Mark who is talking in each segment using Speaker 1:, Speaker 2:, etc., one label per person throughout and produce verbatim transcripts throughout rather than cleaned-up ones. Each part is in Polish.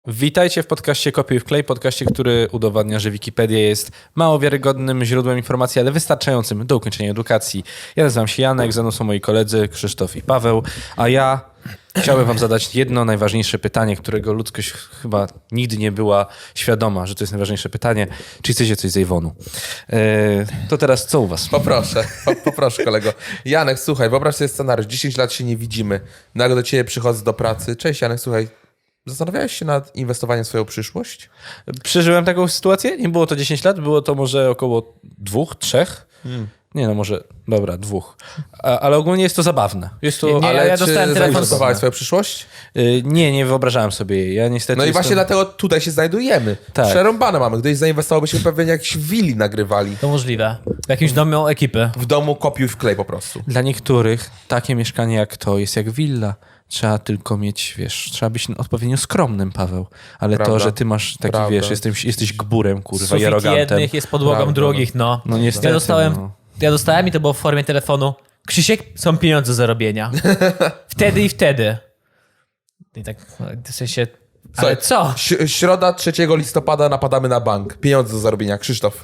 Speaker 1: Witajcie w podcaście Kopiuj Wklej, podcaście, który udowadnia, że Wikipedia jest mało wiarygodnym źródłem informacji, ale wystarczającym do ukończenia edukacji. Ja nazywam się Janek, ze mną są moi koledzy Krzysztof i Paweł, a ja chciałbym wam zadać jedno najważniejsze pytanie, którego ludzkość chyba nigdy nie była świadoma, że to jest najważniejsze pytanie. Czy chcecie coś z Avonu? Eee, to teraz co u was?
Speaker 2: Poproszę, po, poproszę kolego. Janek, słuchaj, wyobraź sobie scenariusz, dziesięć lat się nie widzimy, nagle do ciebie przychodzę do pracy. Cześć Janek, słuchaj, zastanawiałeś się nad inwestowaniem w swoją przyszłość?
Speaker 1: Przeżyłem taką sytuację, nie było to dziesięć lat, było to może około dwóch, trzech. Hmm. Nie no, może, dobra, dwóch. A, ale ogólnie jest to zabawne. Jest to,
Speaker 3: nie, nie,
Speaker 2: ale
Speaker 3: ja, ja
Speaker 2: czy
Speaker 3: dostałem telefon.
Speaker 2: zainwestowałeś w swoją przyszłość?
Speaker 1: Yy, nie, nie wyobrażałem sobie jej. Ja niestety
Speaker 2: No i
Speaker 1: jestem...
Speaker 2: właśnie dlatego tutaj się znajdujemy.
Speaker 1: Tak.
Speaker 2: Przerąbane mamy. Gdyś zainwestowałbyśmy pewnie jakieś willi nagrywali.
Speaker 3: To możliwe. W jakimś domu ekipy.
Speaker 2: W domu kopiuj wklej po prostu.
Speaker 1: Dla niektórych takie mieszkanie jak to jest jak willa. Trzeba tylko mieć, wiesz, trzeba być odpowiednio skromnym, Paweł. Ale
Speaker 2: Prawda.
Speaker 1: to, że ty masz taki,
Speaker 2: Prawda.
Speaker 1: wiesz, jesteś, jesteś gburem, kurwa, i
Speaker 3: Sufit
Speaker 1: arogantem.
Speaker 3: jednych jest podłogą
Speaker 2: Prawda.
Speaker 3: drugich, no.
Speaker 1: No niestety,
Speaker 3: Ja dostałem,
Speaker 1: no.
Speaker 3: ja dostałem i to było w formie telefonu. Krzysiek, są pieniądze do zarobienia. Wtedy i wtedy. I tak, w sensie, ale
Speaker 2: Słuchaj,
Speaker 3: co?
Speaker 2: ś- Środa trzeciego listopada napadamy na bank. Pieniądze do zarobienia. Krzysztof.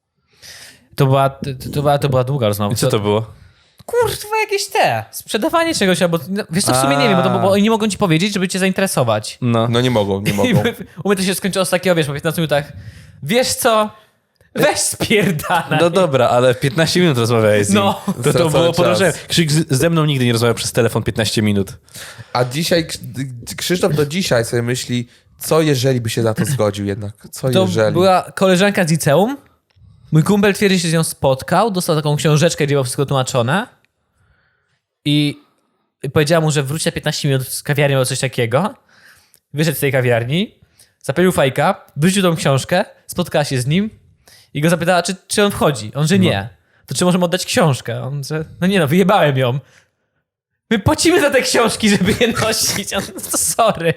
Speaker 3: To była, to, to była, to była długa rozmowa.
Speaker 1: I co to było?
Speaker 3: Kurwa, jakieś te. Sprzedawanie czegoś, albo, no, wiesz co, w sumie nie wiem, bo, to, bo oni nie mogą ci powiedzieć, żeby cię zainteresować.
Speaker 1: No.
Speaker 2: No nie mogą, nie
Speaker 3: I
Speaker 2: mogą.
Speaker 3: u mnie to się skończyło z takiego, wiesz, po piętnastu minutach. Wiesz co? Weź spierdalaj.
Speaker 1: No dobra, ale piętnaście minut rozmawiałeś z nim.
Speaker 3: No.
Speaker 1: To, to
Speaker 2: Stracony
Speaker 1: było
Speaker 2: czas.
Speaker 1: podążenie. Krzyk z- ze mną nigdy nie rozmawiał przez telefon piętnaście minut.
Speaker 2: A dzisiaj, Krzysztof do dzisiaj sobie myśli, co jeżeli by się na to zgodził jednak? Co
Speaker 3: To
Speaker 2: jeżeli?
Speaker 3: była koleżanka z liceum. Mój kumpel twierdzi, że się z nią spotkał, dostał taką książeczkę, gdzie było wszystko tłumaczone i powiedziała mu, że wróci za piętnaście minut z kawiarni albo coś takiego. Wyszedł z tej kawiarni, zapalił fajka, wrzucił tą książkę, spotkała się z nim i go zapytała, czy, czy on wchodzi. On, że nie. To czy możemy oddać książkę? On, że no nie no, wyjebałem ją. My płacimy za te książki, żeby je nosić. On, to sorry.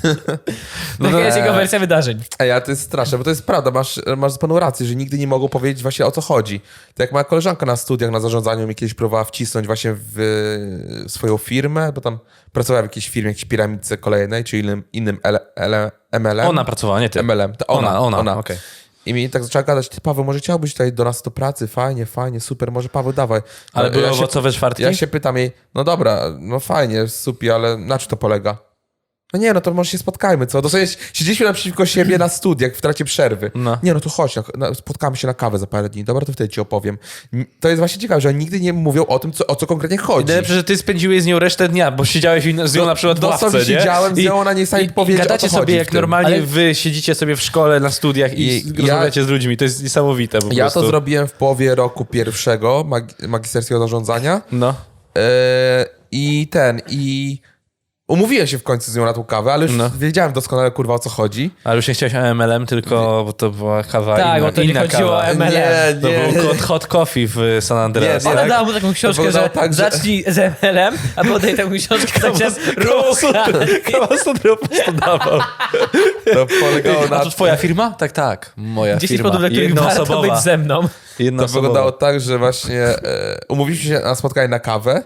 Speaker 1: No
Speaker 3: Taka
Speaker 1: to-
Speaker 3: jest jego wersja wydarzeń.
Speaker 2: Ej, ale to jest straszne, bo to jest prawda, masz, masz z paną rację, że nigdy nie mogą powiedzieć właśnie o co chodzi. Tak jak moja koleżanka na studiach, na zarządzaniu mi kiedyś próbowała wcisnąć właśnie w e, swoją firmę, bo tam pracowała w jakiejś firmie, jakiejś piramidce kolejnej, czy innym, innym L, L, M L M.
Speaker 1: Ona pracowała, nie ty.
Speaker 2: M L M, to ona,
Speaker 1: Ona, ona,
Speaker 2: ona.
Speaker 1: okej.
Speaker 2: I mi tak zaczęła gadać, ty Paweł, może chciałbyś tutaj do nas do pracy, fajnie, fajnie, super, może Paweł, dawaj.
Speaker 1: Ale
Speaker 2: Ja
Speaker 1: były
Speaker 2: się-
Speaker 1: owocowe czwartki?
Speaker 2: Ja się pytam jej, no dobra, no fajnie, super, ale na czym to polega? No nie, no to może się spotkajmy, co? Dosłownie siedzieliśmy naprzeciwko siebie na studiach w trakcie przerwy.
Speaker 1: No.
Speaker 2: Nie, no to chodź, no, no, spotkamy się na kawę za parę dni. Dobra, to wtedy ci opowiem. N- To jest właśnie ciekawe, że oni nigdy nie mówią o tym, co, o co konkretnie chodzi.
Speaker 1: Najlepsze, że ty spędziłeś z nią resztę dnia, bo siedziałeś z nią
Speaker 2: Do-
Speaker 1: na przykład w
Speaker 2: dosłownie
Speaker 1: ławce, nie?
Speaker 2: siedziałem z nią, ona nie jest w stanie
Speaker 1: i,
Speaker 2: powiedzieć,
Speaker 1: i
Speaker 2: o
Speaker 1: gadacie
Speaker 2: co
Speaker 1: sobie
Speaker 2: chodzi
Speaker 1: jak
Speaker 2: w tym.
Speaker 1: normalnie
Speaker 3: Ale-
Speaker 1: wy siedzicie sobie w szkole, na studiach i,
Speaker 2: I
Speaker 1: i
Speaker 2: ja-
Speaker 1: rozmawiacie z ludźmi. To jest niesamowite po
Speaker 2: Ja
Speaker 1: prostu.
Speaker 2: to zrobiłem w połowie roku pierwszego mag- magisterskiego zarządzania.
Speaker 1: No.
Speaker 2: E, I ten, i umówiłem się w końcu z nią na tą kawę, ale już
Speaker 1: No.
Speaker 2: wiedziałem doskonale, kurwa, o co chodzi.
Speaker 1: Ale już nie chciałeś o M L M, tylko bo to była kawa
Speaker 3: Tak,
Speaker 1: inna,
Speaker 3: bo to nie
Speaker 1: inna
Speaker 3: chodziło
Speaker 1: kawa.
Speaker 3: o M L M.
Speaker 2: Nie,
Speaker 1: To
Speaker 2: nie.
Speaker 1: był hot, hot coffee w San Andreas.
Speaker 2: Nie, nie.
Speaker 3: Ona
Speaker 2: tak?
Speaker 3: dała mu taką książkę,
Speaker 2: wyglądało
Speaker 3: że
Speaker 2: tak, że-
Speaker 3: zacznij z M L M, a potem taką książkę zamiast rucha.
Speaker 1: Kawa Sodro po prostu dawał.
Speaker 2: To polegało na
Speaker 1: A to twoja firma? Tak, tak. Moja
Speaker 3: dziesięć
Speaker 1: firma.
Speaker 3: powodów, dla których warto
Speaker 1: Jednoosobowa.
Speaker 3: być ze mną.
Speaker 1: Jedna
Speaker 2: To wyglądało tak, że właśnie e, umówiliśmy się na spotkanie na kawę.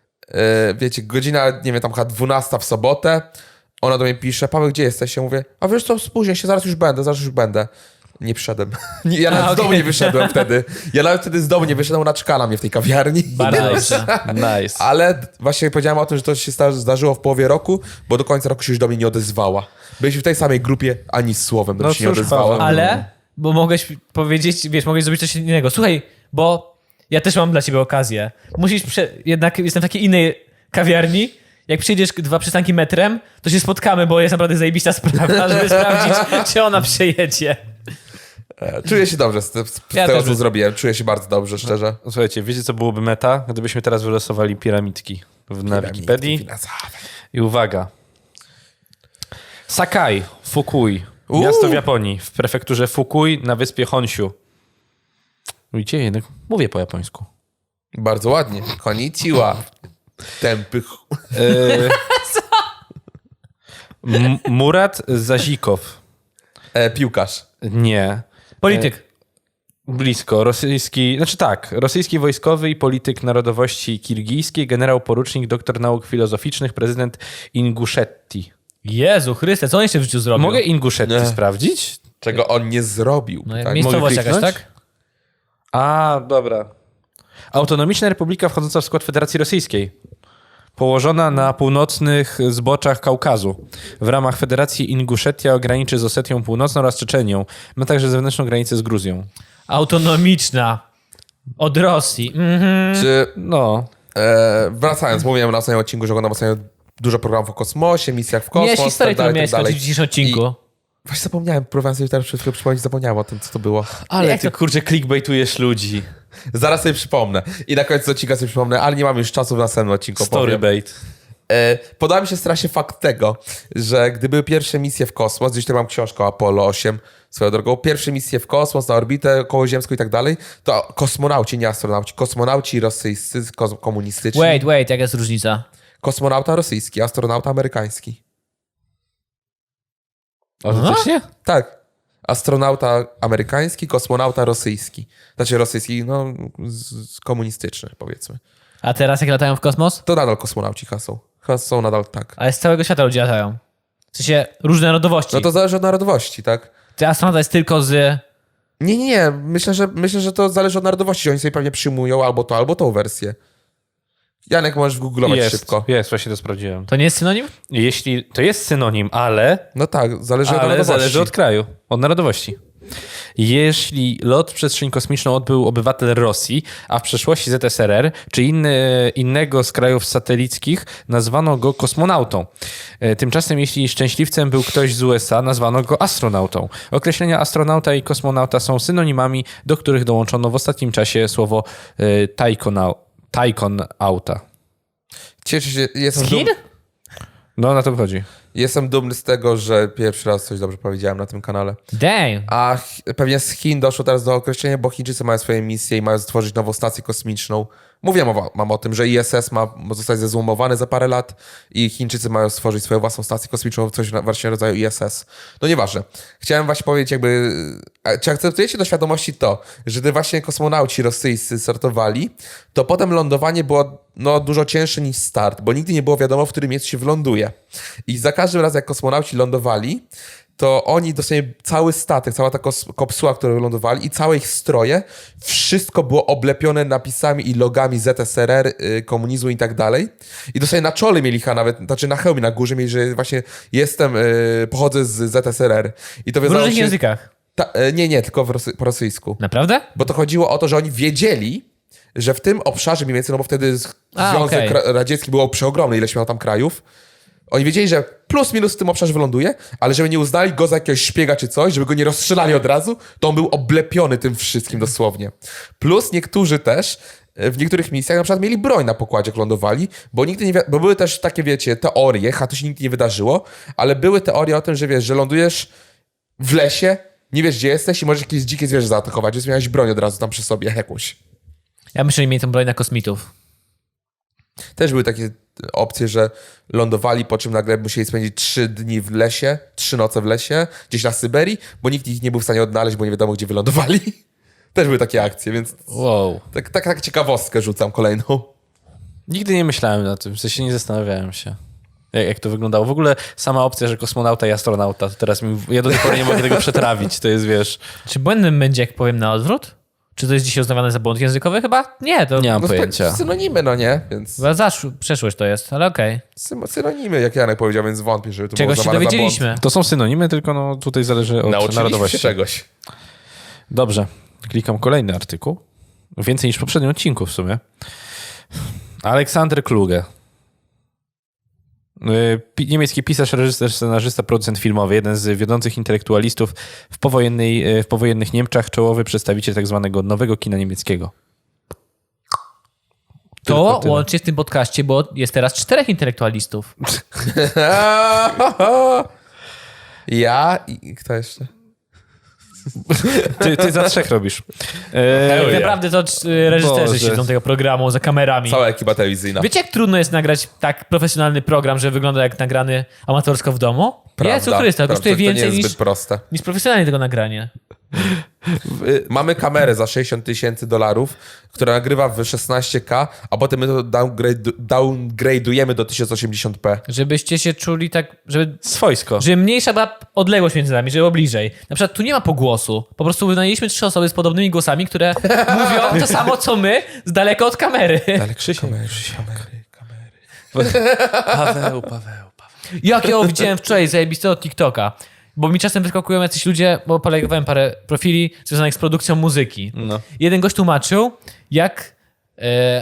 Speaker 2: E, wiecie, godzina, nie wiem, tam chyba dwunasta w sobotę. Ona do mnie pisze, Paweł, gdzie jesteś? Ja mówię, a wiesz co, spóźnię się, zaraz już będę, zaraz już będę. Nie przyszedłem. Nie, ja nawet
Speaker 3: A,
Speaker 2: z domu
Speaker 3: okej.
Speaker 2: nie wyszedłem wtedy. Ja nawet wtedy z domu nie wyszedłem, ona czekała na mnie w tej kawiarni.
Speaker 3: Bardzo dobrze.
Speaker 1: Nice.
Speaker 2: Ale właśnie powiedziałem o tym, że to się sta- zdarzyło w połowie roku, bo do końca roku się już do mnie nie odezwała. Byliśmy w tej samej grupie, ani słowem do
Speaker 1: No
Speaker 2: mnie się nie
Speaker 1: cóż,
Speaker 2: odezwała.
Speaker 1: Paweł.
Speaker 3: Ale, bo mogłeś powiedzieć, wiesz, mogłeś zrobić coś innego. Słuchaj, bo ja też mam dla ciebie okazję. Musisz, prze... jednak jestem w takiej innej kawiarni. Jak przyjdziesz dwa przystanki metrem, to się spotkamy, bo jest naprawdę zajebista sprawa, żeby sprawdzić, czy ona przejedzie.
Speaker 2: E, Czuję się dobrze z, te- z
Speaker 3: Ja
Speaker 2: tego,
Speaker 3: też
Speaker 2: co
Speaker 3: by-
Speaker 2: zrobiłem. Czuję się bardzo dobrze, szczerze.
Speaker 1: Słuchajcie, wiecie co byłoby meta? Gdybyśmy teraz wylosowali piramidki w, na Wikipedii.
Speaker 2: Finansowe.
Speaker 1: I uwaga. Sakai, Fukui.
Speaker 2: Uuu.
Speaker 1: Miasto w Japonii, w prefekturze Fukui na wyspie Honshu. Widzicie, jednak mówię po japońsku.
Speaker 2: Bardzo ładnie. Konnichiwa. Tępy. ch-
Speaker 1: E, M- Murat Zazikow.
Speaker 2: E, piłkarz.
Speaker 1: Nie.
Speaker 3: Polityk.
Speaker 1: Blisko. Rosyjski, znaczy tak, rosyjski wojskowy i polityk narodowości kirgijskiej, generał porucznik, doktor nauk filozoficznych, prezydent Inguszetii.
Speaker 3: Jezu Chryste, co on jeszcze w życiu zrobił?
Speaker 1: Mogę Inguszetti
Speaker 2: Nie.
Speaker 1: sprawdzić?
Speaker 2: Czego on nie zrobił.
Speaker 3: No,
Speaker 2: tak?
Speaker 3: miejscowość
Speaker 1: Mogę
Speaker 3: jakaś,
Speaker 1: kliknąć?
Speaker 3: tak?
Speaker 1: A, dobra. Autonomiczna republika wchodząca w skład Federacji Rosyjskiej. Położona na północnych zboczach Kaukazu. W ramach Federacji Inguszetia graniczy z Osetią Północną oraz Czeczenią. Ma także zewnętrzną granicę z Gruzją.
Speaker 3: Autonomiczna. Od Rosji. Mhm.
Speaker 2: Czy
Speaker 1: No.
Speaker 2: e, wracając, mówiłem na ostatnim odcinku, że oglądam ostatnio dużo programów o kosmosie, misjach w kosmos,
Speaker 3: Miałeś historię,
Speaker 2: tak dalej,
Speaker 3: którą miałeś
Speaker 2: tak dalej.
Speaker 3: skończyć w dzisiejszym odcinku.
Speaker 2: Właśnie zapomniałem, próbowałem sobie teraz przed chwilą przypomnieć, zapomniałem o tym, co to było.
Speaker 1: Ale
Speaker 3: Jak
Speaker 1: ty,
Speaker 3: to-
Speaker 1: kurczę, clickbaitujesz ludzi.
Speaker 2: Zaraz sobie przypomnę. I na końcu odcinka sobie przypomnę, ale nie mam już czasu w następnym odcinku. opowiem.
Speaker 1: Storybait.
Speaker 2: E, podoba mi się strasznie fakt tego, że gdy były pierwsze misje w kosmos, gdzieś tutaj mam książkę o Apollo osiem, swoją drogą, pierwsze misje w kosmos, na orbitę kołoziemską i tak dalej, to kosmonauci, nie astronauci, kosmonauci rosyjscy, kos- komunistyczni.
Speaker 3: Wait, wait, jaka jest różnica?
Speaker 2: Kosmonauta rosyjski, astronauta amerykański.
Speaker 1: Autentycznie?
Speaker 2: Tak. Astronauta amerykański, kosmonauta rosyjski. Znaczy rosyjski, no z, z komunistyczny, powiedzmy.
Speaker 3: A teraz jak latają w kosmos?
Speaker 2: To nadal kosmonauci chyba są. Chyba są nadal tak.
Speaker 3: Ale z całego świata ludzie latają. W sensie różne narodowości.
Speaker 2: No to zależy od narodowości, tak?
Speaker 3: Ty astronauta jest tylko z...
Speaker 2: Nie, nie, nie. Myślę, że, myślę, że to zależy od narodowości, że oni sobie pewnie przyjmują albo to, albo tą wersję. Janek, możesz googlować
Speaker 1: Jest,
Speaker 2: szybko.
Speaker 1: jest, właśnie to sprawdziłem.
Speaker 3: To nie jest synonim?
Speaker 1: Jeśli to jest synonim, ale,
Speaker 2: No tak, zależy od
Speaker 1: ale
Speaker 2: narodowości.
Speaker 1: zależy od kraju, od narodowości. Jeśli lot w przestrzeń kosmiczną odbył obywatel Rosji, a w przeszłości Z S R R, czy inny, innego z krajów satelickich, nazwano go kosmonautą. E, Tymczasem, jeśli szczęśliwcem był ktoś z U S A, nazwano go astronautą. Określenia astronauta i kosmonauta są synonimami, do których dołączono w ostatnim czasie słowo e, tajkonau- tajkonauta.
Speaker 2: Cieszę się, jestem,
Speaker 3: Z Chin?
Speaker 2: dum,
Speaker 1: No, na to chodzi.
Speaker 2: jestem dumny z tego, że pierwszy raz coś dobrze powiedziałem na tym kanale.
Speaker 3: Damn.
Speaker 2: A ch- pewnie z Chin doszło teraz do określenia, bo Chińczycy mają swoje misje i mają stworzyć nową stację kosmiczną. Mówiłem o, mam o tym, że I S S ma zostać zezłomowany za parę lat i Chińczycy mają stworzyć swoją własną stację kosmiczną, coś na- właśnie rodzaju I S S. No nieważne. Chciałem właśnie powiedzieć jakby, a czy akceptujecie do świadomości to, że gdy właśnie kosmonauci rosyjscy startowali, to potem lądowanie było no, dużo cięższe niż start, bo nigdy nie było wiadomo, w którym miejscu się wląduje. I za każdym razem, jak kosmonauci lądowali, to oni dosłownie cały statek, cała ta kos- kopsuła, którą wylądowali i całe ich stroje, wszystko było oblepione napisami i logami Z S R R, y, komunizmu i tak dalej. I dosłownie na czole mieli chyba nawet, znaczy na hełmie na górze mieli, że właśnie jestem, y, pochodzę z Z S R R. I to
Speaker 3: W
Speaker 2: wiązało
Speaker 3: różnych
Speaker 2: się...
Speaker 3: językach.
Speaker 2: Ta, y, nie, nie, tylko w rosy- po rosyjsku.
Speaker 3: Naprawdę?
Speaker 2: Bo to chodziło o to, że oni wiedzieli, że w tym obszarze mniej więcej, no bo wtedy z-
Speaker 3: A,
Speaker 2: Związek
Speaker 3: okej.
Speaker 2: Ra- Radziecki był przeogromny, ileś miał tam krajów. Oni wiedzieli, że plus minus w tym obszarze wyląduje, ale żeby nie uznali go za jakiegoś szpiega czy coś, żeby go nie rozstrzelali od razu, to on był oblepiony tym wszystkim dosłownie. Plus niektórzy też e, w niektórych misjach na przykład mieli broń na pokładzie, jak lądowali, bo nigdy nie wi- bo były też takie, wiecie, teorie, a to się nigdy nie wydarzyło, ale były teorie o tym, że wiesz, że lądujesz w lesie, nie wiesz gdzie jesteś i możesz jakieś dzikie zwierzę zaatakować, więc miałeś broń od razu tam przy sobie jakąś.
Speaker 3: Ja myślę, że mieli tą broń na kosmitów.
Speaker 2: Też były takie opcje, że lądowali, po czym nagle musieli spędzić trzy dni w lesie, trzy noce w lesie, gdzieś na Syberii, bo nikt ich nie był w stanie odnaleźć, bo nie wiadomo, gdzie wylądowali. Też były takie akcje, więc
Speaker 1: Wow.
Speaker 2: tak, tak, tak ciekawostkę rzucam kolejną.
Speaker 1: Nigdy nie myślałem na tym, w sensie nie zastanawiałem się, jak, jak to wyglądało. W ogóle sama opcja, że kosmonauta i astronauta, to teraz mi, ja do tej pory nie mogę tego przetrawić, to jest, wiesz,
Speaker 3: Czy błędem będzie, jak powiem na odwrót? Czy to jest dzisiaj uznawane za błąd językowy? Chyba nie, to
Speaker 1: nie mam
Speaker 2: No,
Speaker 1: pojęcia.
Speaker 2: synonimy, no nie? Więc
Speaker 3: chyba zaszł, przeszłość to jest, ale okej.
Speaker 2: syn- synonimy, jak Janek powiedział, więc wątpię, żeby to
Speaker 3: Czegoś
Speaker 2: było
Speaker 3: się
Speaker 2: uznawane za
Speaker 3: dowiedzieliśmy.
Speaker 1: To są synonimy, tylko no tutaj zależy od
Speaker 2: błąd. Nauczyliśmy się
Speaker 1: narodowości.
Speaker 2: czegoś.
Speaker 1: Dobrze, klikam kolejny artykuł. Więcej niż w poprzednim odcinku w sumie. Aleksander Kluge. Y, pi- Niemiecki pisarz, reżyser, scenarzysta, producent filmowy, jeden z wiodących intelektualistów w, powojennej, y, w powojennych Niemczech, czołowy przedstawiciel tak zwanego nowego kina niemieckiego. Tylko
Speaker 3: To
Speaker 1: tyle.
Speaker 3: łącznie w tym podcaście, bo jest teraz czterech intelektualistów.
Speaker 2: Ja i kto jeszcze?
Speaker 1: Ty, ty za trzech robisz.
Speaker 2: Hell
Speaker 1: E,
Speaker 2: yeah.
Speaker 3: Naprawdę to c- reżyserzy
Speaker 1: Boże.
Speaker 3: siedzą tego programu za kamerami.
Speaker 2: Cała ekipa telewizyjna.
Speaker 3: Wiecie, jak trudno jest nagrać tak profesjonalny program, że wygląda jak nagrany amatorsko w domu? Jezu Chryste,
Speaker 2: prawda,
Speaker 3: kosztuje
Speaker 2: to nie
Speaker 3: więcej
Speaker 2: jest
Speaker 3: niż,
Speaker 2: zbyt proste.
Speaker 3: niż profesjonalnie tego nagranie.
Speaker 2: Mamy kamerę za sześćdziesiąt tysięcy dolarów, która nagrywa w szesnaście ka, a potem my to downgrade, downgrade'ujemy do tysiąc osiemdziesiąt p.
Speaker 3: Żebyście się czuli tak, żeby,
Speaker 1: Swojsko.
Speaker 3: żeby mniejsza była odległość między nami, żeby było bliżej. Na przykład tu nie ma pogłosu. Po prostu wynajęliśmy trzy osoby z podobnymi głosami, które mówią to samo, co my, z daleka od kamery.
Speaker 1: Ale Krzysiek,
Speaker 2: Kamery,
Speaker 1: Krzysiek.
Speaker 2: kamery, kamery.
Speaker 1: Paweł, Paweł, Paweł.
Speaker 3: Jak ja widziałem wczoraj zajebistego TikToka. Bo mi czasem wyskakują jacyś ludzie, bo polegowałem parę profili związanych z produkcją muzyki.
Speaker 1: No.
Speaker 3: Jeden gość tłumaczył, jak e,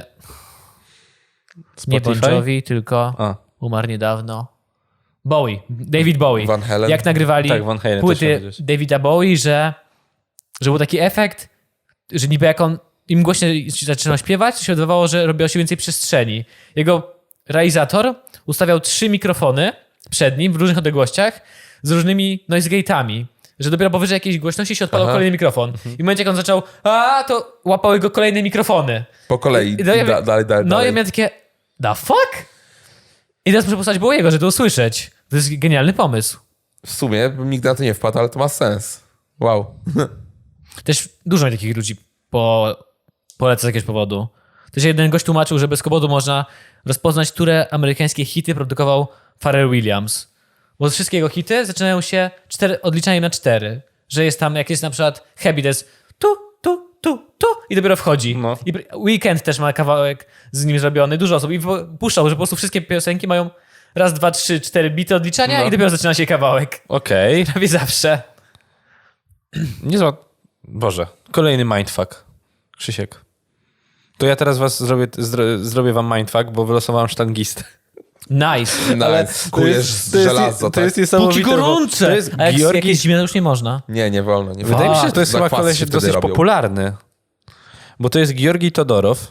Speaker 3: nie Bon
Speaker 1: Spotify?
Speaker 3: Jovi, tylko
Speaker 1: A.
Speaker 3: umarł niedawno. Bowie, David Bowie.
Speaker 2: Van Halen.
Speaker 3: Jak nagrywali
Speaker 1: Tak, Van Halen też
Speaker 3: płyty
Speaker 1: chciałem powiedzieć.
Speaker 3: Davida Bowie, że, że był taki efekt, że niby jak on im głośniej zaczynał śpiewać, to się wydawało, że robiło się więcej przestrzeni. Jego realizator ustawiał trzy mikrofony przed nim w różnych odległościach z różnymi noise gate'ami, że dopiero powyżej jakiejś głośności się odpalał
Speaker 2: Aha.
Speaker 3: kolejny mikrofon. I w momencie, jak on zaczął, a to łapały go kolejne mikrofony.
Speaker 2: Po kolei,
Speaker 3: I- i to ja-
Speaker 2: da, dalej, dalej,
Speaker 3: No
Speaker 2: dalej.
Speaker 3: i ja miałem takie, the fuck? I teraz muszę posłać Bowiego, żeby to usłyszeć. To jest genialny pomysł.
Speaker 2: W sumie bym nigdy na to nie wpadł, ale to ma sens. Wow.
Speaker 3: Też dużo mi takich ludzi po, poleca z jakiegoś powodu. Też jeden gość tłumaczył, że bez powodu można rozpoznać, które amerykańskie hity produkował Pharrell Williams. Bo wszystkie jego hity zaczynają się cztery, odliczaniem na cztery. Że jest tam, jak jest na przykład Happy, to jest tu, tu, tu, tu i dopiero wchodzi.
Speaker 1: No.
Speaker 3: I Weekend też ma kawałek z nim zrobiony, dużo osób. I puszczał, że po prostu wszystkie piosenki mają raz, dwa, trzy, cztery bity odliczania
Speaker 1: No.
Speaker 3: i dopiero zaczyna się kawałek.
Speaker 1: Okej.
Speaker 3: Prawie zawsze.
Speaker 1: Niezła... Boże. Kolejny mindfuck. Krzysiek. To ja teraz was zrobię, zdro, zrobię wam mindfuck, bo wylosowałem sztangistę.
Speaker 3: Nice.
Speaker 2: Nice. Kujesz z
Speaker 1: to jest,
Speaker 2: żelazo,
Speaker 1: to
Speaker 2: tak?
Speaker 1: jest
Speaker 3: Póki
Speaker 1: niesamowite. bo
Speaker 3: gorące.
Speaker 1: To jest
Speaker 3: A jak
Speaker 1: Georgi...
Speaker 3: jakieś zimne już nie można.
Speaker 2: Nie, nie wolno. Nie
Speaker 1: Wydaje
Speaker 2: wolno.
Speaker 1: mi się, że to jest chyba
Speaker 2: Zakwasy
Speaker 1: koleś
Speaker 2: się wtedy
Speaker 1: dosyć
Speaker 2: robią.
Speaker 1: popularny. Bo to jest Georgi Todorow,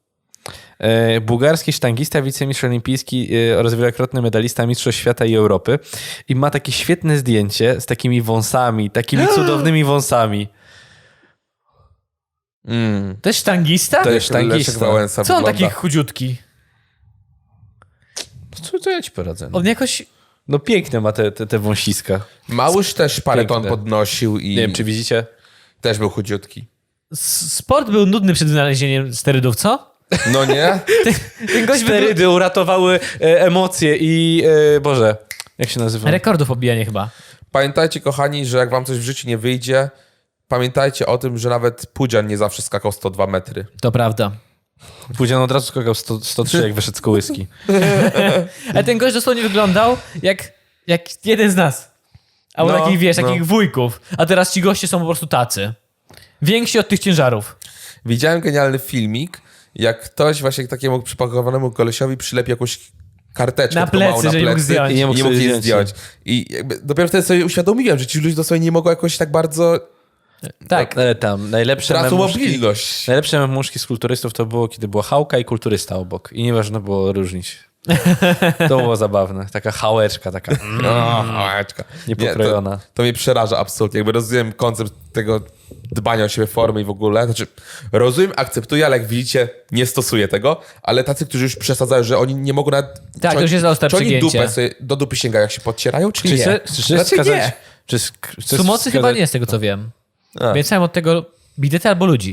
Speaker 1: e, bułgarski sztangista, wicemistrz olimpijski e, oraz wielokrotny medalista Mistrzostw Świata i Europy. I ma takie świetne zdjęcie z takimi wąsami, takimi cudownymi wąsami.
Speaker 2: Mm.
Speaker 3: To jest sztangista?
Speaker 1: To jest sztangista.
Speaker 2: Leszek Wałęsa
Speaker 3: Co on
Speaker 2: wygląda.
Speaker 3: taki chudziutki?
Speaker 1: Co, co ja ci poradzę? No,
Speaker 3: On jakoś...
Speaker 1: no piękne ma te, te, te wąsiska.
Speaker 2: Małysz też parę ton
Speaker 1: Piękne.
Speaker 2: podnosił i
Speaker 1: Nie wiem, czy widzicie?
Speaker 2: też był chudziutki.
Speaker 3: S- Sport był nudny przed wynalezieniem sterydów, co?
Speaker 2: No nie?
Speaker 3: Ten gość wygl...
Speaker 1: Sterydy uratowały e, emocje i... E, Boże, jak się nazywa?
Speaker 3: Rekordów pobijanie chyba.
Speaker 2: Pamiętajcie, kochani, że jak wam coś w życiu nie wyjdzie, pamiętajcie o tym, że nawet Pudzian nie zawsze skakał sto dwa metry.
Speaker 3: To prawda.
Speaker 1: Pudzian od razu skakał sto, sto trzy, jak wyszedł z kołyski.
Speaker 3: Ale ten gość dosłownie wyglądał jak, jak jeden z nas. Albo
Speaker 2: No,
Speaker 3: takich, wiesz,
Speaker 2: no.
Speaker 3: takich wujków. A teraz ci goście są po prostu tacy. Więksi od tych ciężarów.
Speaker 2: Widziałem genialny filmik, jak ktoś właśnie takiemu przypakowanemu kolesiowi przylepi jakąś karteczkę
Speaker 3: Na
Speaker 2: taką małą
Speaker 3: plecy, że nie mógł zdjąć.
Speaker 1: I nie
Speaker 2: i
Speaker 1: mógł
Speaker 2: nie mógł
Speaker 1: sobie
Speaker 2: jej
Speaker 1: zdjąć.
Speaker 2: zdjąć. I jakby dopiero wtedy sobie uświadomiłem, że ci ludzie dosłownie nie mogą jakoś tak bardzo...
Speaker 3: Tak.
Speaker 1: Ale tam najlepsze
Speaker 2: Tracą
Speaker 1: memuszki,
Speaker 2: mobilność.
Speaker 1: najlepsze memuszki z kulturystów to było, kiedy była chałka i kulturysta obok. I nie można było różnić. To było zabawne. Taka chałeczka, taka mm,
Speaker 2: O, małeczka.
Speaker 1: niepokrojona.
Speaker 2: Nie, to, to mnie przeraża absolutnie. Jakby rozumiem koncept tego dbania o siebie formy i w ogóle. Znaczy, rozumiem, akceptuję, ale jak widzicie, nie stosuję tego. Ale tacy, którzy już przesadzają, że oni nie mogą nawet...
Speaker 3: Tak,
Speaker 2: czy
Speaker 3: to już jest ostre
Speaker 2: Czy oni
Speaker 3: przygięcie.
Speaker 2: dupę sobie, do dupy sięgają, jak się podcierają, czy
Speaker 1: Czy
Speaker 2: nie?
Speaker 1: chce- czy chcesz
Speaker 2: Raczej
Speaker 1: wskazać...
Speaker 2: nie.
Speaker 1: Czy sk- chcesz
Speaker 3: Sumocy chyba
Speaker 1: wskazać-
Speaker 3: nie, z tego co wiem.
Speaker 2: A.
Speaker 3: Więc sam od tego bidety albo ludzi.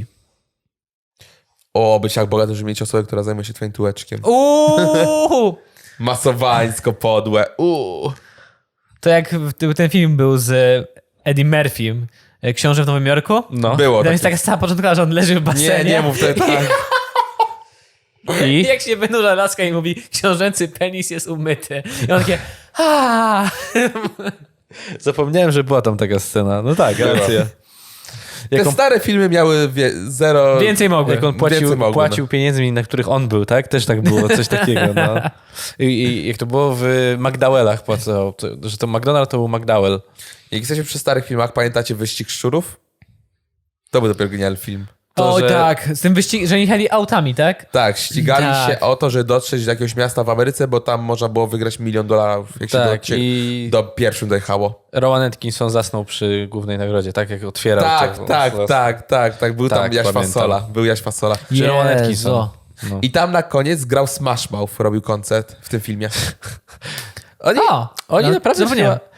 Speaker 2: O, być jak bogaty, żeby mieć osobę, która zajmuje się twoim tułeczkiem.
Speaker 3: Uuu!
Speaker 2: Masowańsko podłe. Uuu.
Speaker 3: To jak w- ten film był z Eddie Murphym, e, Książę w Nowym Jorku.
Speaker 1: No.
Speaker 2: Było
Speaker 3: Tam jest
Speaker 2: takie.
Speaker 3: taka sama początkowa, że on leży w basenie.
Speaker 2: Nie, nie mów to tak.
Speaker 3: I
Speaker 1: I?
Speaker 3: jak się wynurza laska i mówi, książęcy penis jest umyty. I on takie, aaa.
Speaker 1: Zapomniałem, że była tam taka scena. No tak,
Speaker 2: Była.
Speaker 1: racja.
Speaker 2: Te
Speaker 1: Jak on,
Speaker 2: stare filmy miały wie, zero...
Speaker 3: Więcej mogły.
Speaker 1: jak on płacił,
Speaker 2: Więcej mogły,
Speaker 1: płacił pieniędzmi, na których on był, tak? Też tak było, coś takiego. No. I, I jak to było w McDowellach płacał, to, że to McDonald to był McDowell.
Speaker 2: Jak jesteśmy przy starych filmach, pamiętacie Wyścig Szczurów? To był dopiero genialny film.
Speaker 1: To,
Speaker 3: o
Speaker 1: że-
Speaker 3: tak, z tym wyścig, że oni jechali autami, tak?
Speaker 2: Tak, ścigali
Speaker 3: Tak.
Speaker 2: się o to, że dotrzeć do jakiegoś miasta w Ameryce, bo tam można było wygrać milion dolarów, jak się
Speaker 1: Tak,
Speaker 2: do,
Speaker 1: i
Speaker 2: do pierwszym dojechało.
Speaker 1: Rowan Atkinson zasnął przy głównej nagrodzie, tak? Jak otwierał.
Speaker 2: Tak,
Speaker 1: to-
Speaker 2: tak,
Speaker 1: to-
Speaker 2: tak, tak, tak. Był tam
Speaker 1: Tak,
Speaker 2: Jaś
Speaker 1: pamiętam.
Speaker 2: Fasola. Był Jaś Fasola.
Speaker 1: Czy Rowan
Speaker 3: Jezu.
Speaker 1: Atkinson. No.
Speaker 2: I tam na koniec grał Smash Mouth, robił koncert w tym filmie.
Speaker 1: Oni,
Speaker 3: O,
Speaker 1: oni
Speaker 3: no,
Speaker 1: naprawdę
Speaker 3: zapomniałem.
Speaker 1: chyba,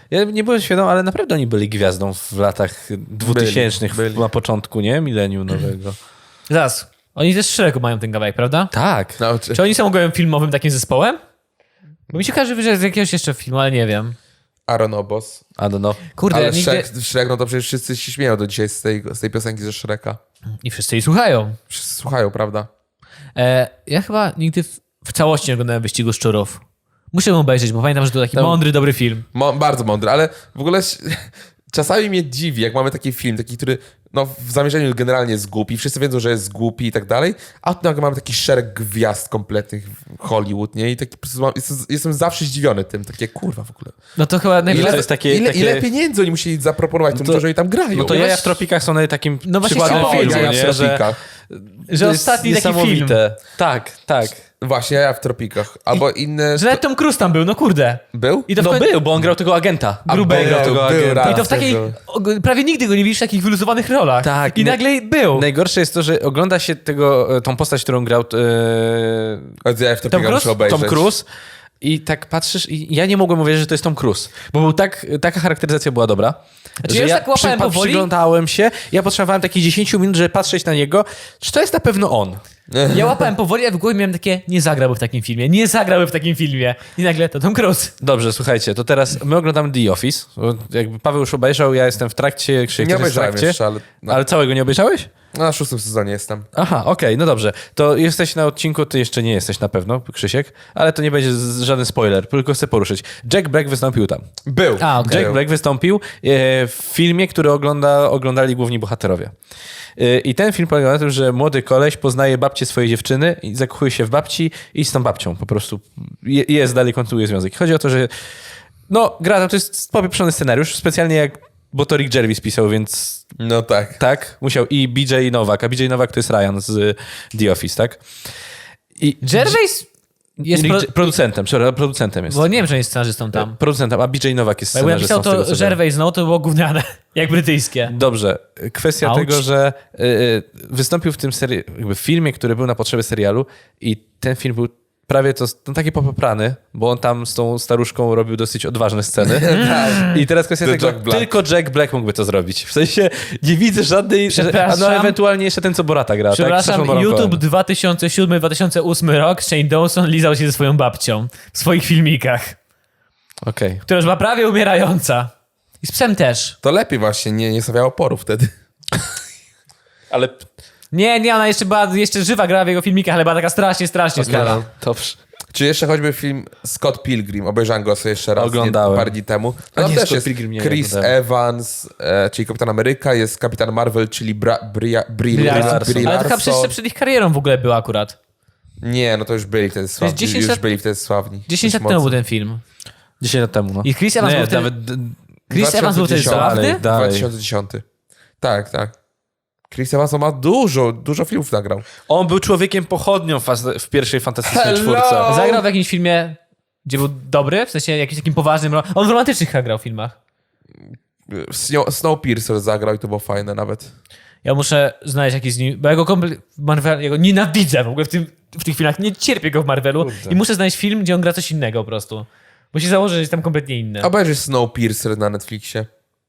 Speaker 1: Ja nie byłem świadom, ale naprawdę oni byli gwiazdą w latach dwutysięcznych,
Speaker 2: byli.
Speaker 1: na początku, nie? Milenium nowego.
Speaker 3: Zaraz, oni też z szeregu mają ten kawałek, prawda?
Speaker 1: Tak.
Speaker 2: No, czy...
Speaker 3: Czy oni są ogółem filmowym takim zespołem? Bo mi się każe, że z jakiegoś jeszcze filmu, ale nie wiem.
Speaker 2: Aaron Obos.
Speaker 1: I don't know.
Speaker 3: Kurde,
Speaker 2: Ale
Speaker 3: ja nigdy...
Speaker 2: Shrek, Shrek, no to przecież wszyscy się śmieją do dzisiaj z tej, z tej piosenki ze Shreka.
Speaker 3: I wszyscy jej słuchają.
Speaker 2: Wszyscy słuchają, prawda?
Speaker 3: E, ja chyba nigdy w, w całości nie oglądałem Wyścigu Szczurów. Muszę ją obejrzeć, bo pamiętam, że to taki
Speaker 1: Tam-
Speaker 3: mądry, dobry film.
Speaker 2: Mo- bardzo mądry, ale w ogóle ś- czasami mnie dziwi, jak mamy taki film, taki, który no, w zamierzeniu generalnie jest głupi, wszyscy wiedzą, że jest głupi i tak dalej, a tu nagle mamy taki szereg gwiazd kompletnych w Hollywood, nie? I taki, po prostu mam, jestem, jestem zawsze zdziwiony tym, takie kurwa w ogóle.
Speaker 3: No to chyba
Speaker 1: Ile
Speaker 3: najlepsze...
Speaker 1: to jest takie-
Speaker 2: ile,
Speaker 1: takie-
Speaker 2: ile pieniędzy oni musieli zaproponować tym,
Speaker 1: to-
Speaker 2: że oni tam grają?
Speaker 1: No to
Speaker 3: Ja
Speaker 1: Jaja
Speaker 3: właśnie-
Speaker 1: w tropikach są nawet takim
Speaker 3: No właśnie
Speaker 1: przykładem
Speaker 3: chciałem
Speaker 1: filmu,
Speaker 3: powiedzieć,
Speaker 2: Jaja w
Speaker 1: nie? Że,
Speaker 2: tropikach.
Speaker 3: Że
Speaker 1: to jest
Speaker 3: ostatni taki film.
Speaker 1: niesamowite. Tak, tak.
Speaker 2: Właśnie, ja w tropikach. Albo inne...
Speaker 3: Że nawet Tom Cruise tam był, no kurde.
Speaker 2: Był?
Speaker 3: I to w
Speaker 1: No
Speaker 3: koń-
Speaker 1: był, bo on grał tego agenta. Grubego
Speaker 2: był,
Speaker 1: tego
Speaker 2: był
Speaker 1: agenta.
Speaker 2: raz.
Speaker 3: I to w takiej...
Speaker 2: był.
Speaker 3: o- Prawie nigdy go nie widzisz w takich wyluzowanych rolach.
Speaker 1: Tak.
Speaker 3: I
Speaker 1: No-
Speaker 3: nagle był.
Speaker 1: Najgorsze jest to, że ogląda się tego, tą postać, którą grał e,
Speaker 2: Od Jaja w tropikach
Speaker 3: Cruise?
Speaker 2: muszę obejrzeć.
Speaker 1: Tom Cruise i tak patrzysz i ja nie mogłem uwierzyć, że to jest Tom Cruise, bo był tak, taka charakteryzacja była dobra,
Speaker 3: Znaczy,
Speaker 1: że
Speaker 3: ja już
Speaker 1: ja
Speaker 3: tak łapałem
Speaker 1: przypa-
Speaker 3: powoli.
Speaker 1: przyglądałem się, ja potrzebowałem takich dziesięć minut, żeby patrzeć na niego, czy to jest na pewno on.
Speaker 3: Ja łapałem powoli, a w głowie miałem takie, nie zagrałby w takim filmie, nie zagrałby w takim filmie. I nagle to Tom Cruise.
Speaker 1: Dobrze, słuchajcie, to teraz my oglądamy The Office, bo jakby Paweł już obejrzał, ja jestem w trakcie, Krzysiek
Speaker 2: Nie
Speaker 1: też jest w
Speaker 2: obejrzałem
Speaker 1: trakcie,
Speaker 2: jeszcze, ale no,
Speaker 1: ale całego nie obejrzałeś?
Speaker 2: na szóstym sezonie jestem.
Speaker 1: Aha, okej, no dobrze. To jesteś na odcinku, ty jeszcze nie jesteś na pewno, Krzysiek, ale to nie będzie z- żaden spoiler, tylko chcę poruszyć. Jack Black wystąpił tam.
Speaker 2: Był.
Speaker 3: A, okej.
Speaker 1: Jack
Speaker 2: Był.
Speaker 1: Black wystąpił e, w filmie, który ogląda, oglądali główni bohaterowie. E, I ten film polega na tym, że młody koleś poznaje babcię swojej dziewczyny i zakochuje się w babci i z tą babcią po prostu je, jest, dalej kontynuuje związek. Chodzi o to, że no, gra to jest popieprzony scenariusz, specjalnie jak bo to Rick Gervais pisał, więc
Speaker 2: No tak.
Speaker 1: tak, musiał. I B J Nowak, a B J Nowak to jest Ryan z The Office, tak? I
Speaker 3: Gervais jest...
Speaker 1: Rick,
Speaker 3: Pro...
Speaker 1: producentem, przepraszam, producentem jest.
Speaker 3: Bo nie wiem, że jest scenarzystą tam.
Speaker 1: Producentem, a B J Nowak jest
Speaker 3: Bo jakby
Speaker 1: scenarzystą.
Speaker 3: napisał
Speaker 1: z tego,
Speaker 3: to
Speaker 1: co wiem.
Speaker 3: Gervais, no to było gówniane, jak brytyjskie.
Speaker 1: Dobrze. Kwestia
Speaker 3: Auć.
Speaker 1: tego, że y, y, wystąpił w tym seri- jakby w filmie, który był na potrzeby serialu i ten film był prawie to no, taki popoprany, bo on tam z tą staruszką robił dosyć odważne sceny. I teraz kwestia
Speaker 2: The
Speaker 1: tego,
Speaker 2: Jack Black.
Speaker 1: tylko Jack Black mógłby to zrobić. W sensie nie widzę żadnej... A
Speaker 3: Przepraszam.
Speaker 1: no ewentualnie jeszcze ten, co Borata gra.
Speaker 3: Przepraszam,
Speaker 1: tak? Sacha Baron
Speaker 3: YouTube
Speaker 1: Cohen.
Speaker 3: dwa tysiące siódmy dwa tysiące ósmy rok, Shane Dawson lizał się ze swoją babcią w swoich filmikach,
Speaker 1: Okej.
Speaker 3: która już była prawie umierająca. I z psem też.
Speaker 2: To lepiej właśnie, nie, nie stawiało oporu wtedy.
Speaker 1: Ale...
Speaker 3: Nie, nie, ona jeszcze była jeszcze żywa, grała w jego filmikach, ale była taka strasznie, strasznie stara.
Speaker 1: No, dobrze.
Speaker 2: Czy jeszcze choćby film Scott Pilgrim, obejrzałem go sobie jeszcze raz
Speaker 1: Oglądałem.
Speaker 2: Nie, parę dni temu.
Speaker 1: A
Speaker 2: Tam
Speaker 1: nie,
Speaker 2: też
Speaker 1: Scott
Speaker 2: jest
Speaker 1: Pilgrim nie
Speaker 2: Chris
Speaker 1: oglądałem.
Speaker 2: Evans, e, czyli Kapitan Ameryka, jest Kapitan Marvel, czyli Bra, Bria, Brie,
Speaker 3: Brie
Speaker 2: Brie,
Speaker 1: Larson.
Speaker 2: Brie
Speaker 3: Ale to chyba
Speaker 2: Larson.
Speaker 3: jeszcze przed ich karierą w ogóle była akurat.
Speaker 2: Nie, no to już byli wtedy sławni.
Speaker 3: dziesięć
Speaker 2: już
Speaker 3: lat-
Speaker 2: byli wtedy sławni.
Speaker 3: dziesięć lat
Speaker 2: Dość
Speaker 3: temu był
Speaker 2: mocno.
Speaker 3: ten film.
Speaker 1: dziesięć lat temu, no.
Speaker 3: I Chris Evans
Speaker 1: nie,
Speaker 3: był wtedy...
Speaker 1: nawet... d-
Speaker 3: Chris Evans był wtedy
Speaker 2: dwa tysiące dziesiąty.
Speaker 3: zabawny?
Speaker 1: Dalej, dalej.
Speaker 2: dwa tysiące dziesiąty. Tak, tak. Chris Evans ma dużo, dużo filmów nagrał.
Speaker 1: On był człowiekiem pochodnią w, faz- w pierwszej fantastycznej
Speaker 2: Hello!
Speaker 1: czwórce.
Speaker 3: Zagrał w jakimś filmie, gdzie był dobry, w sensie jakimś takim poważnym... ro- On w romantycznych chyba grał w filmach.
Speaker 2: Snow- Snowpiercer zagrał i to było fajne nawet.
Speaker 3: Ja muszę znaleźć jakiś z nim, bo ja go kompletnie w Marvel, ja go nienawidzę w ogóle w, tym, w tych filmach, nie cierpię go w Marvelu
Speaker 1: Kurde.
Speaker 3: i muszę znaleźć film, gdzie on gra coś innego po prostu. Bo się założę, że jest tam kompletnie inny.
Speaker 2: Obejrzyj Snowpiercer na Netflixie.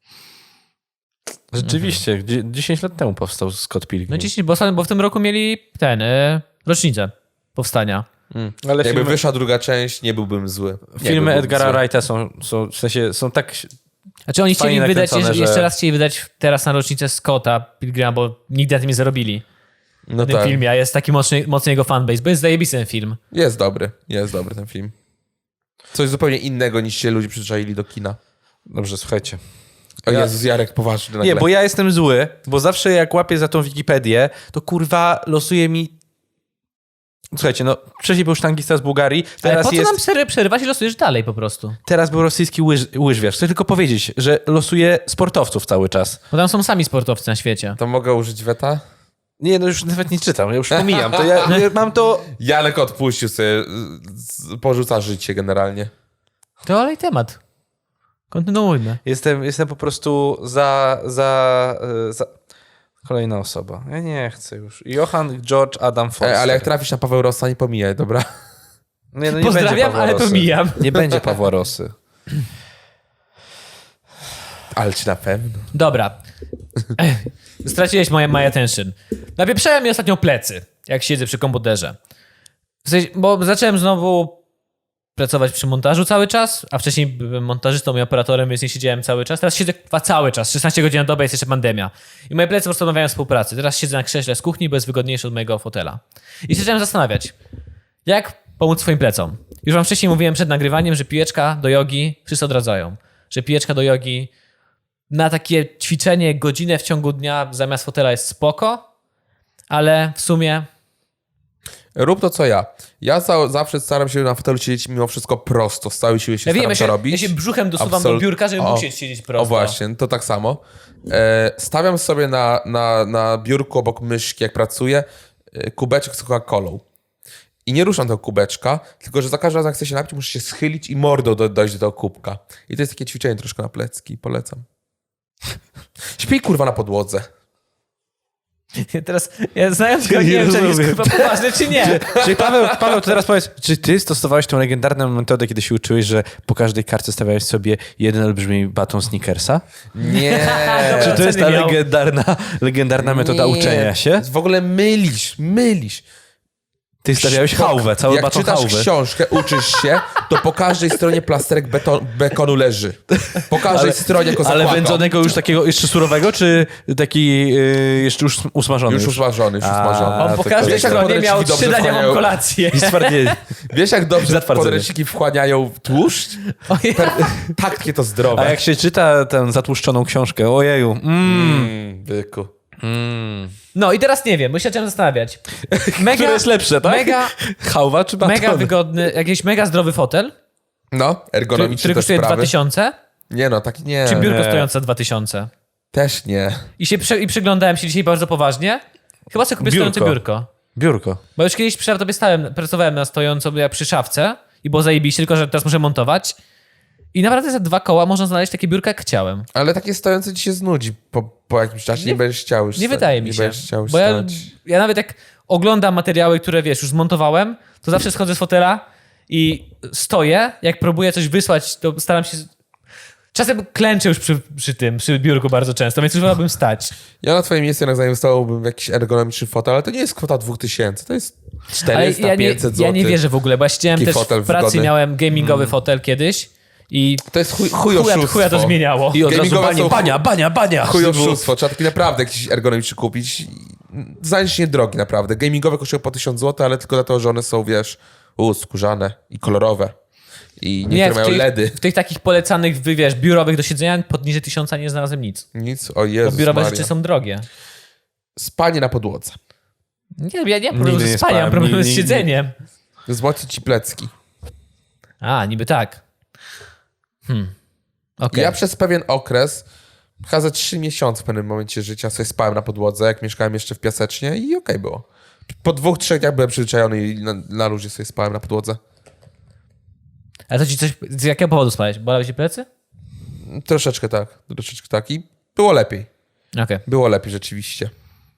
Speaker 1: Rzeczywiście, dzie- dziesięć lat temu powstał Scott Pilgrim.
Speaker 3: No dziesięć, bo, ostatnio- bo w tym roku mieli ten, y, rocznicę powstania.
Speaker 1: Ale
Speaker 2: Jakby
Speaker 1: filmy,
Speaker 2: wyszła druga część, nie byłbym zły. Nie
Speaker 1: filmy
Speaker 2: byłbym
Speaker 1: Edgara
Speaker 2: zły.
Speaker 1: Wrighta są, są, w sensie, są tak...
Speaker 3: Znaczy oni chcieli
Speaker 1: Fajnie
Speaker 3: wydać,
Speaker 1: nakręcone,
Speaker 3: jeszcze,
Speaker 1: że-
Speaker 3: jeszcze raz chcieli wydać teraz na rocznicę Scotta Pilgrima, bo nigdy na tym nie zarobili.
Speaker 2: No
Speaker 3: W tym
Speaker 2: tak.
Speaker 3: filmie, a jest taki mocny, mocny jego fanbase, bo jest zajebisty ten film.
Speaker 2: Jest dobry, jest dobry ten film. Coś zupełnie innego niż się ludzie przyzwyczaili do kina.
Speaker 1: Dobrze, słuchajcie.
Speaker 2: O
Speaker 1: Ja-
Speaker 2: Jezus, Jarek poważny nagle.
Speaker 1: Nie, bo ja jestem zły, bo zawsze jak łapię za tą Wikipedię, to kurwa losuje mi... Słuchajcie, no wcześniej był sztangista z Bułgarii,
Speaker 3: Ale
Speaker 1: teraz
Speaker 3: po co
Speaker 1: jest...
Speaker 3: nam przery- przerywać i losujesz dalej po prostu?
Speaker 1: Teraz był rosyjski łyż, łyżwiarz. Chcę tylko powiedzieć, że losuje sportowców cały czas.
Speaker 3: Bo tam są sami sportowcy na świecie.
Speaker 2: To mogę użyć weta?
Speaker 1: Nie, no już nawet nie czytam, ja już pomijam. To ja, ja mam to...
Speaker 2: Janek odpuścił sobie, z- porzuca życie generalnie.
Speaker 3: To olej temat. Kontynuujmy.
Speaker 1: Jestem, jestem po prostu za, za, e, za... Kolejna osoba. Ja nie chcę już. Johann George Adam Foster.
Speaker 2: E, ale jak trafisz na Paweł Rossa, nie pomijaj, dobra?
Speaker 1: Nie, no nie będzie
Speaker 3: Pozdrawiam,
Speaker 1: Pawła
Speaker 3: ale
Speaker 1: Rosy.
Speaker 3: pomijam.
Speaker 1: Nie będzie Pawła Rosy.
Speaker 2: Ale czy na pewno?
Speaker 3: Dobra. Ech, straciłeś moje my attention. Napieprzałem mi ostatnio plecy, jak siedzę przy komputerze. W sensie, bo zacząłem znowu pracować przy montażu cały czas, a wcześniej byłem montażystą i operatorem, więc nie siedziałem cały czas. Teraz siedzę chyba cały czas, szesnaście godzin na dobę, jest jeszcze pandemia. I moje plecy postanowiają współpracy. Teraz siedzę na krześle z kuchni, bo jest wygodniejsze od mojego fotela. I się zacząłem zastanawiać, jak pomóc swoim plecom. Już wam wcześniej mówiłem przed nagrywaniem, że pijeczka do jogi wszyscy odradzają. Że pijeczka do jogi na takie ćwiczenie godzinę w ciągu dnia zamiast fotela jest spoko, ale w sumie...
Speaker 2: Rób to, co ja. Ja za, zawsze staram się na fotelu siedzieć mimo wszystko prosto. Z całej siły się
Speaker 3: Ja
Speaker 2: staram
Speaker 3: wiem, ja
Speaker 2: to
Speaker 3: się,
Speaker 2: robić.
Speaker 3: ja się brzuchem dosuwam
Speaker 2: Absolut-
Speaker 3: do biurka, żeby
Speaker 2: O,
Speaker 3: musieć siedzieć prosto.
Speaker 2: O właśnie, to tak samo. E, stawiam sobie na, na, na biurku obok myszki, jak pracuję, e, kubeczek z Coca-Colą. I nie ruszam tego kubeczka, tylko że za każdym razem, jak chcę się napić, muszę się schylić i mordą do, dojść do tego kubka. I to jest takie ćwiczenie troszkę na plecki. Polecam. Śpij kurwa na podłodze.
Speaker 3: Ja teraz, ja znając go, nie wiem, czy on jest
Speaker 1: rozumiem.
Speaker 3: chyba poważny, czy nie.
Speaker 1: Czyli Paweł, Paweł, to teraz powiedz, czy ty stosowałeś tą legendarną metodę, kiedy się uczyłeś, że po każdej kartce stawiałeś sobie jeden olbrzymi baton Snickersa?
Speaker 2: Nie.
Speaker 1: Czy to jest ta
Speaker 3: Ceny miał.
Speaker 1: legendarna, legendarna metoda
Speaker 2: Nie.
Speaker 1: uczenia się?
Speaker 2: W ogóle mylisz, mylisz.
Speaker 1: Ty stawiałeś
Speaker 2: Po-
Speaker 1: hałwę, cały
Speaker 2: Jak
Speaker 1: baton
Speaker 2: czytasz
Speaker 1: hałwy.
Speaker 2: książkę, uczysz się, to po każdej stronie plasterek beton, bekonu leży. Po każdej stronie jako
Speaker 1: Ale
Speaker 2: zakładka.
Speaker 1: wędzonego już takiego jeszcze surowego, czy taki yy, jeszcze już usmażony?
Speaker 2: Już usmażony, już
Speaker 1: A,
Speaker 2: usmażony.
Speaker 3: On po
Speaker 1: to
Speaker 3: każdej
Speaker 2: wiesz, jak
Speaker 3: stronie miał
Speaker 2: podręczniki
Speaker 3: trzy
Speaker 2: dobrze
Speaker 3: dania mam
Speaker 2: wchłaniają-
Speaker 3: kolację.
Speaker 1: I stwardnienie.
Speaker 2: Wiesz, jak dobrze
Speaker 1: Zatwardzenie.
Speaker 2: podręczniki wchłaniają tłuszcz?
Speaker 3: Ojej.
Speaker 2: Takie to zdrowe.
Speaker 1: A jak się czyta tę zatłuszczoną książkę, ojeju, mm,
Speaker 2: Mm, byku.
Speaker 3: No i teraz nie wiem, bo się zacząłem zastanawiać. Mega,
Speaker 1: które jest lepsze, tak?
Speaker 3: Mega,
Speaker 1: Hałwa czy baton?
Speaker 3: mega wygodny, jakiś mega zdrowy fotel,
Speaker 2: No,
Speaker 3: który,
Speaker 2: ergonomiczne
Speaker 3: który
Speaker 2: te
Speaker 3: kosztuje
Speaker 2: sprawy.
Speaker 3: dwa tysiące,
Speaker 2: Nie no, tak nie.
Speaker 3: czy biurko
Speaker 1: nie.
Speaker 3: stojące dwa tysiące.
Speaker 2: Też nie.
Speaker 3: I się przy, i przyglądałem się dzisiaj bardzo poważnie. Chyba sobie kupię
Speaker 1: Biurko.
Speaker 3: stojące biurko.
Speaker 1: Biurko.
Speaker 3: Bo już kiedyś przy tobie stałem, pracowałem na stojąco jak przy szafce i było zajebiście, tylko że teraz muszę montować. I naprawdę za dwa koła można znaleźć takie biurko, jak chciałem.
Speaker 2: Ale takie stojące ci się znudzi po, po jakimś czasie. Nie,
Speaker 3: Nie-
Speaker 2: będziesz chciał już
Speaker 3: Nie
Speaker 2: sta-
Speaker 3: wydaje mi
Speaker 2: nie
Speaker 3: się.
Speaker 2: będziesz chciał już
Speaker 3: Bo ja,
Speaker 2: stać.
Speaker 3: ja nawet jak oglądam materiały, które wiesz, już zmontowałem, to zawsze schodzę z fotela i stoję. Jak próbuję coś wysłać, to staram się... Czasem klęczę już przy, przy tym, przy biurku bardzo często, więc już wolałbym stać.
Speaker 2: Ja na twoim miejscu jednak zainwestowałbym w jakiś ergonomiczny fotel, ale to nie jest kwota dwa tysiące, to jest
Speaker 3: Ale
Speaker 2: czterysta,
Speaker 3: ja nie,
Speaker 2: pięćset
Speaker 3: ja
Speaker 2: złotych.
Speaker 3: nie wierzę w ogóle, bo ja siedziałem
Speaker 2: Taki
Speaker 3: też
Speaker 2: fotel
Speaker 3: w pracy,
Speaker 2: wygodny.
Speaker 3: miałem gamingowy fotel kiedyś i
Speaker 2: To jest chuj, chuj
Speaker 3: chuja,
Speaker 2: oszustwo.
Speaker 3: chuja to zmieniało.
Speaker 1: I od razu
Speaker 2: Gamingowe
Speaker 1: banie,
Speaker 2: są-
Speaker 1: bania, bania, bania.
Speaker 2: Chuj oszustwo. Trzeba taki naprawdę jakiś ergonomiczny kupić. Zajęcie niedrogi naprawdę. Gamingowe kosztują po tysiąc złotych, ale tylko dlatego, że one są, wiesz, u, skórzane i kolorowe. I niektóre
Speaker 3: w
Speaker 2: mają
Speaker 3: tych,
Speaker 2: ledy.
Speaker 3: w tych takich polecanych, wy- wiesz, biurowych do siedzenia poniżej tysiąca nie znalazłem nic.
Speaker 2: Nic, o
Speaker 3: Bo
Speaker 2: Jezus
Speaker 3: biurowe
Speaker 2: Maria.
Speaker 3: rzeczy są drogie.
Speaker 2: Spanie na podłodze.
Speaker 3: Nie, ja nie mam problemu
Speaker 1: Nigdy
Speaker 3: ze
Speaker 1: nie
Speaker 3: spaniem, mam
Speaker 1: spałem,
Speaker 3: problem z
Speaker 1: nigdy-
Speaker 3: siedzeniem.
Speaker 2: Wzmocnić ci plecki.
Speaker 3: A, niby tak. Hmm. Okej.
Speaker 2: Ja przez pewien okres, chyba za trzy miesiące w pewnym momencie życia sobie spałem na podłodze, jak mieszkałem jeszcze w Piasecznie i okej było. Po dwóch, trzech dniach byłem przyzwyczajony i na, na luzie sobie spałem na podłodze.
Speaker 3: Ale to ci coś... Z jakiego powodu spałeś? Bolały ci plecy?
Speaker 2: Troszeczkę tak, troszeczkę tak i było lepiej.
Speaker 3: Okej.
Speaker 2: Było lepiej rzeczywiście.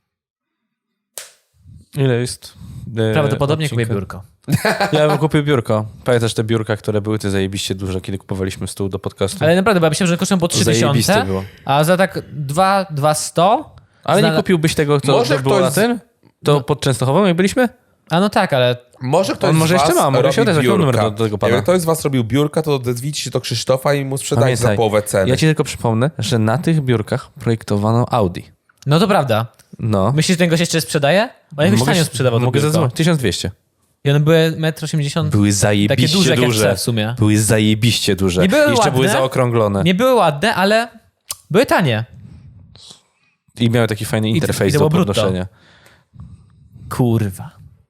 Speaker 1: Ile jest? e,
Speaker 3: Prawdopodobnie kupię
Speaker 1: odcinka?
Speaker 3: biurko.
Speaker 1: Ja bym kupił biurko. Pamiętasz te biurka, które były te zajebiście duże, kiedy kupowaliśmy stół do podcastu?
Speaker 3: Ale naprawdę, bo ja myślałem, że kosztują po trzy
Speaker 1: Zajebiste
Speaker 3: tysiące,
Speaker 1: było.
Speaker 3: a za tak dwa, dwa sto...
Speaker 1: Ale nie
Speaker 3: znala-
Speaker 1: kupiłbyś tego, co
Speaker 2: Może
Speaker 1: to było
Speaker 2: ktoś
Speaker 1: na
Speaker 2: z-
Speaker 1: ten? To pod Częstochową, jak byliśmy?
Speaker 3: A no tak, ale
Speaker 2: Może ktoś
Speaker 1: On
Speaker 2: z
Speaker 1: może
Speaker 2: was
Speaker 1: jeszcze ma, mogę
Speaker 2: robi
Speaker 1: się odezwać, mam numer
Speaker 2: biurka.
Speaker 1: do- do tego pana.
Speaker 2: Jak ktoś z was robił biurka, to odezwijcie się do Krzysztofa i mu sprzedajcie za
Speaker 1: Pamiętaj,
Speaker 2: połowę ceny.
Speaker 1: Ja ci tylko przypomnę, że na tych biurkach projektowano Audi.
Speaker 3: no to prawda.
Speaker 1: No.
Speaker 3: Myślisz, że ten gość jeszcze sprzedaje? Bo jakoś tanio sprzedawał to
Speaker 1: Mogę
Speaker 3: biurko.
Speaker 1: zadzwonić. tysiąc dwieście.
Speaker 3: I one były metr osiemdziesiąt.
Speaker 1: Były zajebiście
Speaker 3: Takie duże, jak ja
Speaker 1: duże.
Speaker 3: chcę w sumie.
Speaker 1: Były zajebiście duże.
Speaker 3: Nie były
Speaker 1: Jeszcze były
Speaker 3: ładne.
Speaker 1: zaokrąglone.
Speaker 3: Nie były ładne, ale były tanie.
Speaker 1: I miały taki fajny
Speaker 3: I
Speaker 1: interfejs
Speaker 3: to
Speaker 1: do
Speaker 3: było brutto.
Speaker 1: podnoszenia.
Speaker 3: Kurwa.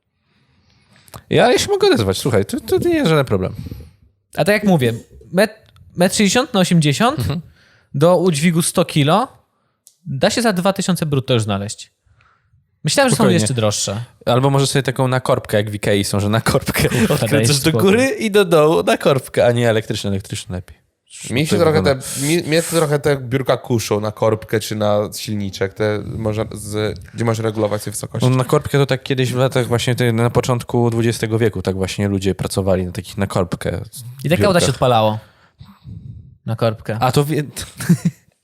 Speaker 1: Ja się mogę odezwać, słuchaj, to, to nie jest żaden problem.
Speaker 3: A tak jak mówię, metr met sześćdziesiąt na osiemdziesiąt
Speaker 1: Mhm.
Speaker 3: do udźwigu sto kilo da się za dwa tysiące brutto już znaleźć. Myślałem, że są
Speaker 1: Spokojnie.
Speaker 3: jeszcze droższe.
Speaker 1: Albo może sobie taką na korbkę, jak w Ikei są, że na korbkę
Speaker 3: dajesz
Speaker 1: odkręcasz do
Speaker 3: spokój.
Speaker 1: góry i do dołu na korbkę, a nie elektryczne, elektryczne lepiej.
Speaker 2: Mi się
Speaker 1: To
Speaker 2: trochę te,
Speaker 1: wygląda.
Speaker 2: mi, mnie to trochę te biurka kuszą na korbkę czy na silniczek, te można z, gdzie możesz regulować sobie wysokość.
Speaker 1: No, na korbkę to tak kiedyś w latach właśnie te, na początku dwudziestego wieku tak właśnie ludzie pracowali na takich na korbkę.
Speaker 3: I taka uda się odpalało. Na korbkę.
Speaker 1: A to wie...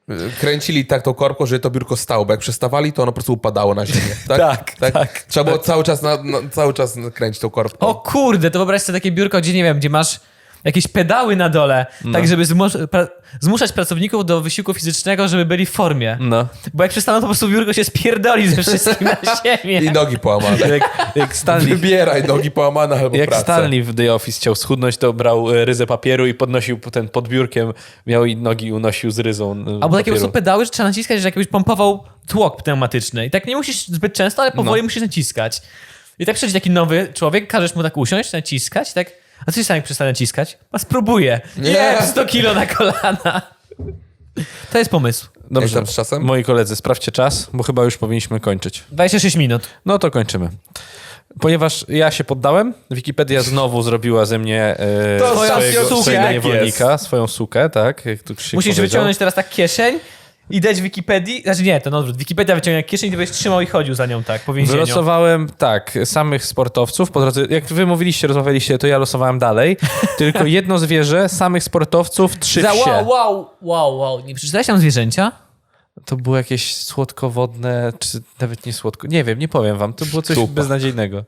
Speaker 2: kręcili tak tą korbką, że to biurko stało, bo jak przestawali, to ono po prostu upadało na ziemię. Tak,
Speaker 1: Tak, tak,
Speaker 2: Trzeba było cały czas, na, na, cały czas kręcić tą korbką.
Speaker 3: O kurde, to wyobraź sobie takie biurko, gdzie nie wiem, gdzie masz jakieś pedały na dole, tak żeby zmus pra zmuszać pracowników do wysiłku fizycznego, żeby byli w formie.
Speaker 1: No.
Speaker 3: Bo jak przestaną, to po prostu biurko się spierdoli ze wszystkim na ziemię.
Speaker 2: I nogi połamane.
Speaker 1: Jak, jak Stanley,
Speaker 2: Wybieraj nogi połamane albo
Speaker 1: jak
Speaker 2: pracę.
Speaker 1: Stanley w The Office chciał schudnąć, to brał e, ryzę papieru i podnosił ten pod biurkiem, miał i nogi unosił z ryzą e,
Speaker 3: Albo takie po
Speaker 1: papieru.
Speaker 3: prostu pedały, że trzeba naciskać, że jakbyś pompował tłok pneumatyczny. I tak nie musisz zbyt często, ale powoli
Speaker 1: No.
Speaker 3: musisz naciskać. I tak przychodzi taki nowy człowiek, każesz mu tak usiąść, naciskać, tak. A co się stanie, jak przestanie naciskać? A spróbuję.
Speaker 2: Nie.
Speaker 3: Nie, sto kilo na kolana. To jest pomysł.
Speaker 1: Dobrze,
Speaker 2: Jak tam z czasem?
Speaker 1: moi koledzy, sprawdźcie czas, bo chyba już powinniśmy kończyć.
Speaker 3: dwadzieścia sześć minut.
Speaker 1: No to kończymy. Ponieważ ja się poddałem, Wikipedia znowu zrobiła ze mnie e,
Speaker 2: To
Speaker 1: swojego,
Speaker 2: ostatnio
Speaker 1: swojego
Speaker 2: sukę jest.
Speaker 1: niewolnika, swoją sukę, tak? Jak tu Krzysiek
Speaker 3: Musisz
Speaker 1: powiedział.
Speaker 3: wyciągnąć teraz tak kieszeń i dać Wikipedii. Znaczy nie, to na odwrót. Wikipedia wyciągnie kieszeń i ty będziesz trzymał i chodził za nią tak po więzieniu.
Speaker 1: Wylosowałem, tak, samych sportowców. Po drodze, jak wy mówiliście, rozmawialiście, to ja losowałem dalej. Tylko jedno zwierzę, samych sportowców, trzy
Speaker 3: Za
Speaker 1: wsie.
Speaker 3: wow, wow, wow, wow. Nie przeczytałeś tam zwierzęcia?
Speaker 1: To było jakieś słodkowodne, czy nawet nie słodko. Nie wiem, nie powiem wam. To było coś
Speaker 2: Szczupa.
Speaker 1: beznadziejnego.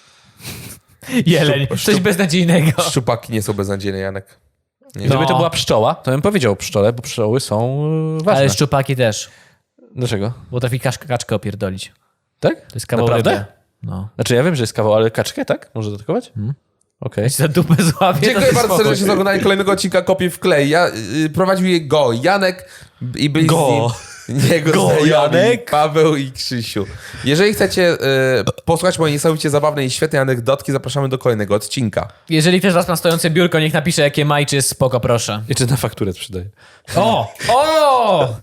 Speaker 3: Jeleń.
Speaker 2: Szczup-
Speaker 3: Coś
Speaker 2: szczup-
Speaker 3: beznadziejnego.
Speaker 2: Szczupaki nie są beznadziejne, Janek. Nie.
Speaker 3: No.
Speaker 1: Gdyby to była pszczoła, to bym powiedział pszczole, bo pszczoły są e, ważne.
Speaker 3: Ale szczupaki też.
Speaker 1: Dlaczego?
Speaker 3: Bo trafi kaczkę, kaczkę opierdolić.
Speaker 1: Tak?
Speaker 3: To jest kawał
Speaker 1: Naprawdę?
Speaker 3: ryby. No.
Speaker 1: Znaczy ja wiem, że jest kawał, ale kaczkę, tak? Może dodatkować?
Speaker 3: Hmm.
Speaker 1: Okej.
Speaker 3: Za dupę złapie.
Speaker 2: Dziękuję
Speaker 3: to
Speaker 2: bardzo
Speaker 3: spokój.
Speaker 2: serdecznie za oglądanie kolejnego odcinka Kopii w klej. Ja, y, prowadził je Go, Janek i byli
Speaker 1: Go.
Speaker 2: z nim jego
Speaker 1: Go,
Speaker 2: znajomi,
Speaker 1: Janek.
Speaker 2: Paweł i Krzysiu. Jeżeli chcecie y, posłuchać mojej niesamowicie zabawnej i świetnej anegdotki, zapraszamy do kolejnego odcinka.
Speaker 3: Jeżeli ktoś z was ma stojące biurko, niech napisze, jakie ma i czy jest spoko, proszę.
Speaker 1: I czy na fakturę sprzedaję?
Speaker 3: O! O!